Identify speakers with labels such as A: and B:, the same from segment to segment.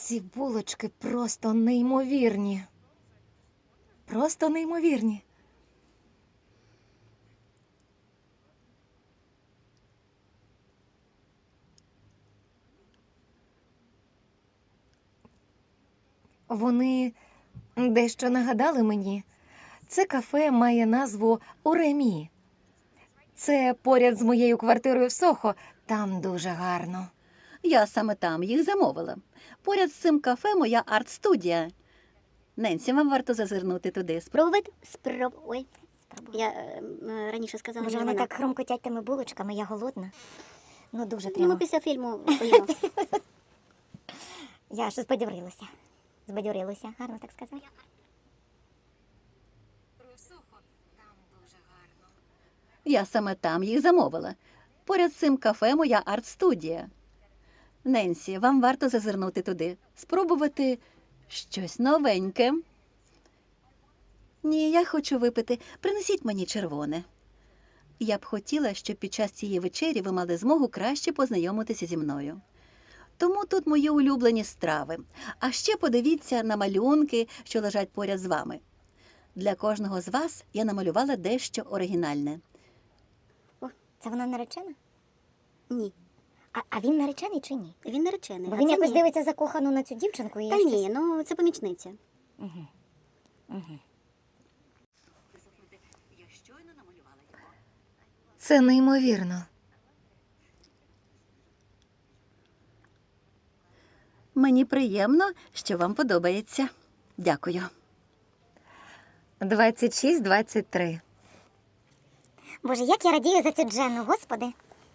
A: Ці булочки просто неймовірні. Просто неймовірні. Вони дещо нагадали мені. Це кафе має назву «Уремі». Це поряд з моєю квартирою в Сохо. Там дуже гарно.
B: Я саме там їх замовила. Поряд з цим кафе моя арт-студія. Ненсі, вам варто зазирнути туди.
C: Спробувати? Ой, спробую. Я раніше сказала,
D: Боже,
C: не
D: вони
C: вона.
D: так хрумкотять тими булочками, я голодна. Ну, дуже
C: Ну,
D: прямо.
C: ми після фільму поїмо.
D: Я аж збадьорилася. Збадьорилася, гарно так сказати.
B: Я саме там їх замовила. Поряд з цим кафе моя арт-студія. Ненсі, вам варто зазирнути туди. Спробувати щось новеньке. Ні, я хочу випити. Принесіть мені червоне. Я б хотіла, щоб під час цієї вечері ви мали змогу краще познайомитися зі мною. Тому тут мої улюблені страви. А ще подивіться на малюнки, що лежать поряд з вами. Для кожного з вас я намалювала дещо оригінальне.
D: Це вона наречена?
C: Ні,
D: А він наречений чи ні?
C: він наречений.
D: Бо
C: а
D: він
C: це
D: якось
C: ні.
D: дивиться закохано на цю дівчинку. І
C: Та
D: я
C: ні,
D: щось-
C: ну це помічниця.
A: Це неймовірно.
B: Мені приємно, що вам подобається. Дякую.
A: 26-23.
D: Боже, як я радію за цю Дженну, господи.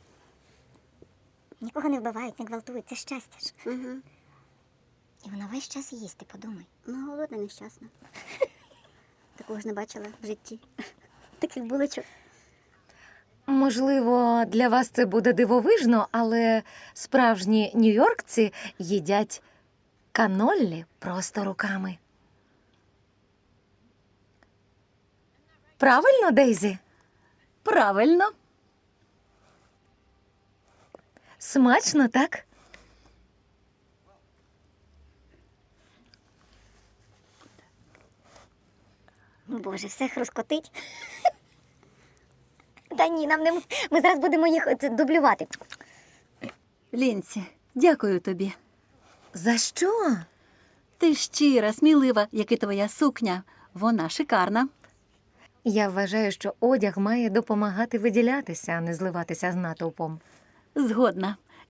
D: Нікого не вбивають, не гвалтують, це щастя ж.
C: Угу.
D: І вона весь час їсть, ти подумай.
C: Ну, голодна, нещасна. Такого ж не бачила в житті. Таких булочок.
A: Можливо, для вас це буде дивовижно, але справжні нью-йоркці їдять каноллі просто руками. Правильно, Дейзі?
B: Правильно.
A: Смачно, так?
D: Боже, все хрускотить. Та ні, нам не... Ми зараз будемо їх дублювати.
B: Лінсі, дякую тобі.
A: За що?
B: Ти щира, смілива, як і твоя сукня. Вона шикарна.
A: Я вважаю, що одяг має допомагати виділятися, а не зливатися з натовпом.
B: Згодна.